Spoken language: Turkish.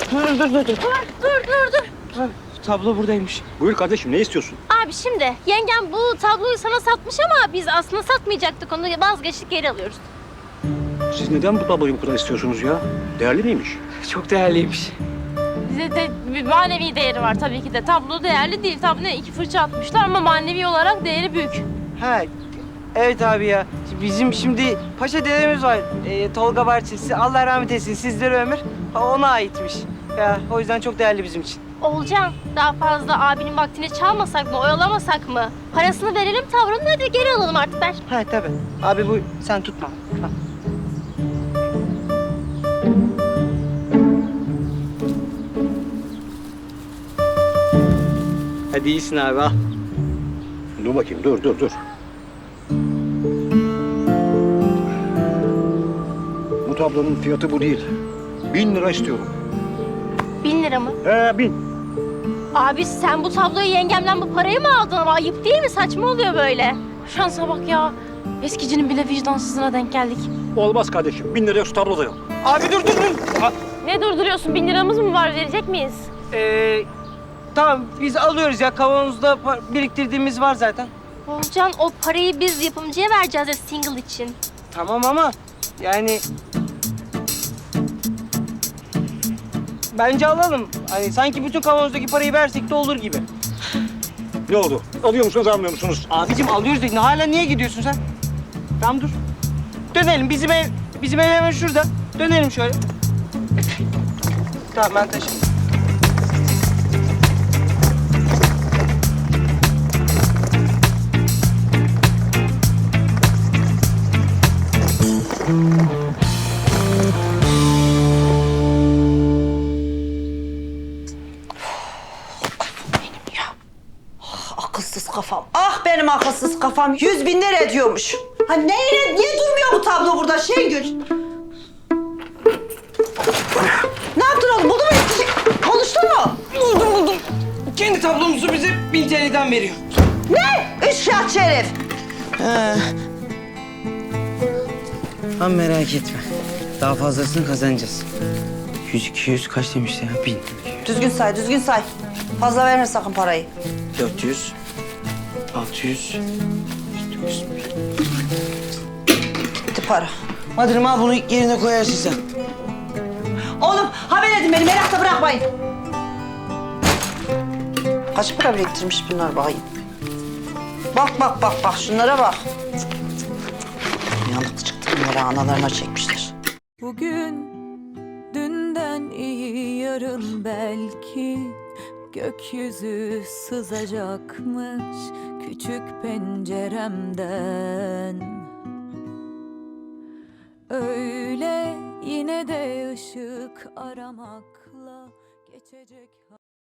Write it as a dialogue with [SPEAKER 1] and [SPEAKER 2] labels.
[SPEAKER 1] Dur.
[SPEAKER 2] Dur.
[SPEAKER 1] Ha, tablo buradaymış.
[SPEAKER 3] Buyur kardeşim, ne istiyorsun?
[SPEAKER 2] Abi şimdi yengem bu tabloyu sana satmış ama biz aslında satmayacaktık onu, vazgeçtik, geri alıyoruz.
[SPEAKER 3] Siz neden bu tabloyu bu kadar istiyorsunuz ya? Değerli miymiş?
[SPEAKER 1] Çok değerliymiş.
[SPEAKER 2] Bize de bir manevi değeri var tabii ki de. Tablo değerli değil. Tabii 2 fırça atmışlar ama manevi olarak değeri büyük.
[SPEAKER 1] Ha, evet abi ya. Bizim şimdi paşa dedemiz var. Tolga Bahçesi. Allah rahmet etsin. Sizlere ömür. Ona aitmiş. Ya o yüzden çok değerli bizim için.
[SPEAKER 2] Olcan, daha fazla abinin vaktini çalmasak mı, oyalamasak mı? Parasını verelim tavrını, hadi geri alalım artık, ver.
[SPEAKER 1] Ha tabii. Abi bu sen tutma. Ha. Hadi iyisin abi al.
[SPEAKER 3] Dur bakayım, dur. Bu tablonun fiyatı bu değil. 1000 lira istiyorum.
[SPEAKER 2] 1000 lira mı?
[SPEAKER 3] 1000.
[SPEAKER 2] Abi sen bu tabloyu yengemden bu parayı mı aldın ama ayıp değil mi? Saçma oluyor böyle. Şansa bak ya. Eskicinin bile vicdansızına denk geldik.
[SPEAKER 3] Olmaz kardeşim, 1000 liraya şu tablo da yok.
[SPEAKER 1] Abi dur.
[SPEAKER 2] Ne durduruyorsun? 1000 liramız mı var? Verecek miyiz?
[SPEAKER 1] Tamam biz alıyoruz ya. Kavanozda biriktirdiğimiz var zaten.
[SPEAKER 2] Olcan, o parayı biz yapımcıya vereceğiz ya single için.
[SPEAKER 1] Tamam ama yani... Bence alalım. Hani sanki bütün kavanozdaki parayı versek de olur gibi.
[SPEAKER 3] Ne oldu? Alıyor musunuz, almıyor musunuz?
[SPEAKER 1] Abicim alıyoruz dedin. Hala niye gidiyorsun sen? Tamam dur. Dönelim. Bizim ev hemen şurada. Dönelim şöyle. Tamam ben taşıyayım.
[SPEAKER 4] Akılsız kafam. Ah benim akılsız kafam. 100.000 lira ediyormuş. Ha niye durmuyor bu tablo burada Şengül? Ne yaptın oğlum? Buldun mu? Konuştun mu?
[SPEAKER 1] Buldum. Kendi tablomuzu bize 1000 TL'den veriyor.
[SPEAKER 4] Ne? Üç herif.
[SPEAKER 1] Ama merak etme. Daha fazlasını kazanacağız. 100-200 kaç demişti ya? 1000.
[SPEAKER 4] Düzgün say. Fazla verme sakın parayı.
[SPEAKER 1] 400. 600. 900.
[SPEAKER 4] Gitti para.
[SPEAKER 1] Madırım al bunu yerine koyarsın sen.
[SPEAKER 4] Oğlum haber edin beni. Merakta bırakmayın. Kaç para biriktirmiş bunlar bakayım. Bak. Şunlara bak. Yanık çıktı bunları analarına çekmişler.
[SPEAKER 5] Bugün dünden iyi yarın belki gökyüzü sızacakmış küçük penceremden. Öyle yine de ışık aramakla geçecek.